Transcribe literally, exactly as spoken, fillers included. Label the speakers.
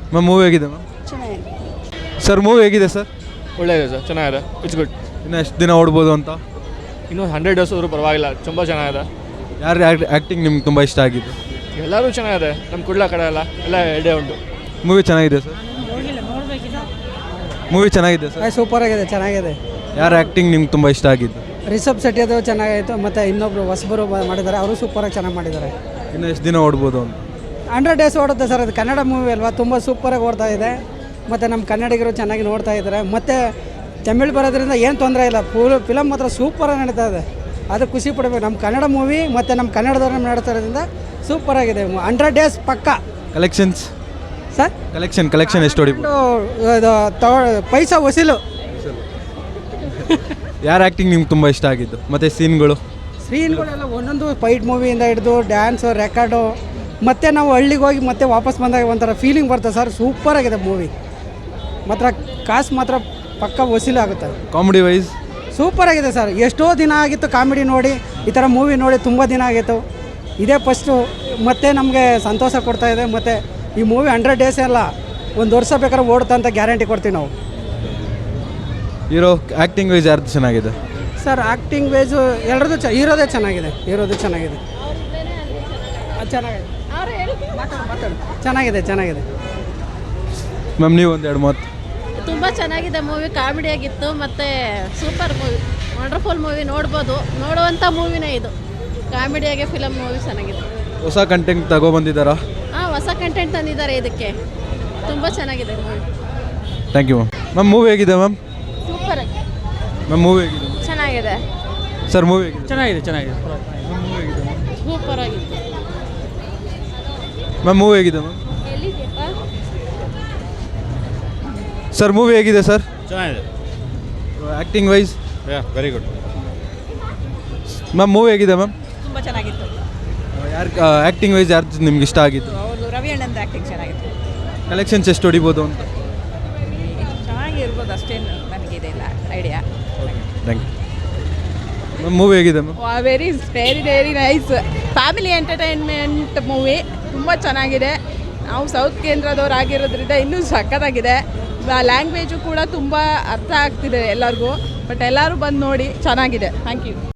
Speaker 1: Ma'am movie ಹೇಗಿದೆ ma'am?
Speaker 2: ಚೆನ್ನಾಗಿದೆ
Speaker 1: sir movie ಹೇಗಿದೆ ಸರ್?
Speaker 3: ಒಳ್ಳೆಯದೆ ಸರ್, ಚೆನ್ನಾಗಿದೆ. It's good.
Speaker 1: ಇನ್ನು ಎಷ್ಟು ದಿನ ಓಡ್ಬೋದು ಅಂತ?
Speaker 3: ಇನ್ನೂ ಹಂಡ್ರೆಡ್ ಡೇಸ್ ಆದರೂ ಪರವಾಗಿಲ್ಲ, ತುಂಬ ಚೆನ್ನಾಗಿದೆ.
Speaker 1: ಯಾರು ಆ್ಯಕ್ಟಿಂಗ್ ನಿಮ್ಗೆ ತುಂಬ ಇಷ್ಟ ಆಗಿದ್ದು?
Speaker 3: ಎಲ್ಲರೂ ಚೆನ್ನಾಗಿದೆ, ನಮ್ಮ ಕುಡ್ಲ ಕಡೆ ಎಲ್ಲ ಎಲ್ಲ ಎರಡೇ ಉಂಟು.
Speaker 1: ಮೂವಿ ಚೆನ್ನಾಗಿದೆ ಸರ್? ಮೂವಿ ಚೆನ್ನಾಗಿದೆ ಸರ್?
Speaker 4: ಸೂಪರ್ ಆಗಿದೆ, ಚೆನ್ನಾಗಿದೆ.
Speaker 1: ಯಾರು ಆ್ಯಕ್ಟಿಂಗ್ ನಿಮ್ಗೆ ತುಂಬ ಇಷ್ಟ ಆಗಿದ್ದು?
Speaker 4: ರಿಷಬ್ ಶೆಟ್ಟಿ ಅದು ಚೆನ್ನಾಗಿತ್ತು, ಮತ್ತು ಇನ್ನೊಬ್ರು ಹೊಸಬರು ಮಾಡಿದ್ದಾರೆ, ಅವರು ಸೂಪರಾಗಿ ಚೆನ್ನಾಗಿ ಮಾಡಿದ್ದಾರೆ.
Speaker 1: ಇನ್ನು ಎಷ್ಟು ದಿನ ಓಡ್ಬೋದು ಅಂತ?
Speaker 4: ಹಂಡ್ರೆಡ್ ಡೇಸ್ ಓಡುತ್ತೆ ಸರ್, ಅದು ಕನ್ನಡ ಮೂವಿ ಅಲ್ವಾ, ತುಂಬ ಸೂಪರಾಗಿ ಓಡ್ತಾ ಇದೆ. ಮತ್ತು ನಮ್ಮ ಕನ್ನಡಿಗರು ಚೆನ್ನಾಗಿ ನೋಡ್ತಾ ಇದ್ದಾರೆ. ಮತ್ತು ತಮಿಳ್ ಬರೋದ್ರಿಂದ ಏನು ತೊಂದರೆ ಇಲ್ಲ, ಫುಲ್ ಫಿಲಮ್ ಮಾತ್ರ ಸೂಪರಾಗಿ ನಡೀತಾ ಇದೆ. ಅದು ಖುಷಿ ಪಡಬೇಕು. ನಮ್ಮ ಕನ್ನಡ ಮೂವಿ ಮತ್ತು ನಮ್ಮ ಕನ್ನಡದವ್ರನ್ನ ನಡೀತಾ ಇರೋದ್ರಿಂದ ಸೂಪರಾಗಿದೆ. ಹಂಡ್ರೆಡ್ ಡೇಸ್ ಪಕ್ಕ.
Speaker 1: ಕಲೆಕ್ಷನ್ಸ್
Speaker 4: ಸರ್
Speaker 1: ಕಲೆಕ್ಷನ್ ಕಲೆಕ್ಷನ್ ಎಷ್ಟು ಹೊಡಿಬೋದು?
Speaker 4: ಇದು ತಗೊ ಪೈಸಾ ವಸೂಲು.
Speaker 1: ಯಾರು ಆ್ಯಕ್ಟಿಂಗ್ ನಿಮ್ಗೆ ತುಂಬ ಇಷ್ಟ ಆಗಿದ್ದು? ಮತ್ತು ಸೀನ್ಗಳು
Speaker 4: ಸ್ಕ್ರೀನ್ಗಳೆಲ್ಲ ಒಂದೊಂದು ಫೈಟ್ ಮೂವಿಯಿಂದ ಹಿಡಿದು ಡ್ಯಾನ್ಸು, ರೆಕಾರ್ಡು, ಮತ್ತು ನಾವು ಹಳ್ಳಿಗೆ ಹೋಗಿ ಮತ್ತೆ ವಾಪಸ್ ಬಂದಾಗ ಒಂಥರ ಫೀಲಿಂಗ್ ಬರ್ತದೆ ಸರ್. ಸೂಪರಾಗಿದೆ ಮೂವಿ ಮಾತ್ರ. ಕಾಸು ಮಾತ್ರ ಪಕ್ಕ ವಸೂಲಿ ಆಗುತ್ತೆ.
Speaker 1: ಕಾಮಿಡಿ ವೈಸ್
Speaker 4: ಸೂಪರಾಗಿದೆ ಸರ್. ಎಷ್ಟೋ ದಿನ ಆಗಿತ್ತು ಕಾಮಿಡಿ ನೋಡಿ, ಈ ಥರ ಮೂವಿ ನೋಡಿ ತುಂಬ ದಿನ ಆಗಿತ್ತು. ಇದೇ ಫಸ್ಟು, ಮತ್ತೆ ನಮಗೆ ಸಂತೋಷ ಕೊಡ್ತಾಯಿದೆ. ಮತ್ತು ಈ ಮೂವಿ ಹಂಡ್ರೆಡ್ ಡೇಸ್ ಎಲ್ಲ ಒಂದು ವರ್ಷ ಬೇಕಾದ್ರೆ ಓಡುತ್ತಾ ಅಂತ ಗ್ಯಾರಂಟಿ ಕೊಡ್ತೀವಿ ನಾವು.
Speaker 1: ಹೀರೋ ಆ್ಯಕ್ಟಿಂಗ್ ವೈಸ್ ಯಾರ್ದು ಚೆನ್ನಾಗಿದೆ
Speaker 4: ಸರ್? ಆ್ಯಕ್ಟಿಂಗ್ ವೈಸು ಎಲ್ಲರದ್ದು ಚ ಹೀರೋದೇ ಚೆನ್ನಾಗಿದೆ. ಹೀರೋದು ಚೆನ್ನಾಗಿದೆ. ಅದು ಚೆನ್ನಾಗಿದೆ. ಮಾತಾಡು ಮಾತಾಡು ಚೆನ್ನಾಗಿದೆ ಚೆನ್ನಾಗಿದೆ.
Speaker 1: ಮ್ಯಾಮ್ ನೀವು ಒಂದೆರಡು ಮಾತು.
Speaker 2: ತುಂಬ ಚೆನ್ನಾಗಿದೆ ಮೂವಿ, ಕಾಮಿಡಿಯಾಗಿತ್ತು ಮತ್ತು ಸೂಪರ್ ಮೂವಿ, ವಂಡರ್ಫುಲ್ ಮೂವಿ. ನೋಡ್ಬೋದು, ನೋಡುವಂಥ ಮೂವಿನೇ ಇದು. ಕಾಮಿಡಿಯಾಗೆ ಫಿಲಮ್ ಮೂವಿ ಚೆನ್ನಾಗಿದೆ.
Speaker 1: ಹೊಸ ಕಂಟೆಂಟ್ ತಗೊಬಂದಿದ್ದಾರಾ?
Speaker 2: ಹಾಂ, ಹೊಸ ಕಂಟೆಂಟ್ ತಂದಿದ್ದಾರೆ ಇದಕ್ಕೆ. ತುಂಬ ಚೆನ್ನಾಗಿದೆ movie.
Speaker 1: Thank you ma'am. Ma'am movie ಹೇಗಿದೆ ಮ್ಯಾಮ್?
Speaker 2: ಸೂಪರ್
Speaker 1: ಮ್ಯಾಮ್ ಮೂವಿ ಹೇಗಿದೆ?
Speaker 2: ಚೆನ್ನಾಗಿದೆ.
Speaker 1: ಸರ್ ಮೂವಿ ಹೇಗಿದೆ?
Speaker 4: ಚೆನ್ನಾಗಿದೆ ಚೆನ್ನಾಗಿದೆ
Speaker 1: ಮೂವಿ ಹೇಗಿದೆ
Speaker 2: ಸೂಪರ್ ಆಗಿತ್ತು.
Speaker 1: ಮ್ಯಾಮ್ ಮೂವಿ ಹೇಗಿದೆ ಮ್ಯಾಮ್?
Speaker 2: ಎಲ್ಲಿದೆಯಪ್ಪ?
Speaker 1: ಸರ್ ಮೂವಿ ಹೇಗಿದೆ ಸರ್?
Speaker 3: ಚೆನ್ನಾಗಿದೆ.
Speaker 1: Acting wise?
Speaker 3: Yeah, very good.
Speaker 1: Ma'am movie ಹೇಗಿದೆ ಮ್ಯಾಮ್?
Speaker 5: ತುಂಬ ಚೆನ್ನಾಗಿತ್ತು.
Speaker 1: ಯಾರು ಆ್ಯಕ್ಟಿಂಗ್ ವೈಸ್ ಯಾರ್ದು ನಿಮ್ಗೆ ಇಷ್ಟ ಆಗಿತ್ತು?
Speaker 5: ಅವರು ರವಿ ಅಣ್ಣಂದು ಆ್ಯಕ್ಟಿಂಗ್ ಚೆನ್ನಾಗಿತ್ತು.
Speaker 1: ಕಲೆಕ್ಷನ್ಸ್ ಎಷ್ಟು ಹೊಡಿಬೋದು ಅಂತ?
Speaker 5: ಚೆನ್ನಾಗಿರ್ಬೋದು, ಅಷ್ಟೇನು ನನಗಿದೆ ಇಲ್ಲ idea.
Speaker 1: Thank you ma'am. Movie ಹೇಗಿದೆ ma'am?
Speaker 5: Very very very nice. Family entertainment movie, ತುಂಬ ಚೆನ್ನಾಗಿದೆ. ನಾವು ಸೌತ್ ಕೇಂದ್ರದವ್ರು ಆಗಿರೋದ್ರಿಂದ ಇನ್ನೂ ಸಖತ್ತಾಗಿದೆ. ಲ್ಯಾಂಗ್ವೇಜು ಕೂಡ ತುಂಬ ಅರ್ಥ ಆಗ್ತಿದೆ ಎಲ್ಲರಿಗೂ. ಬಟ್ ಎಲ್ಲರೂ ಬಂದು ನೋಡಿ, ಚೆನ್ನಾಗಿದೆ. Thank you.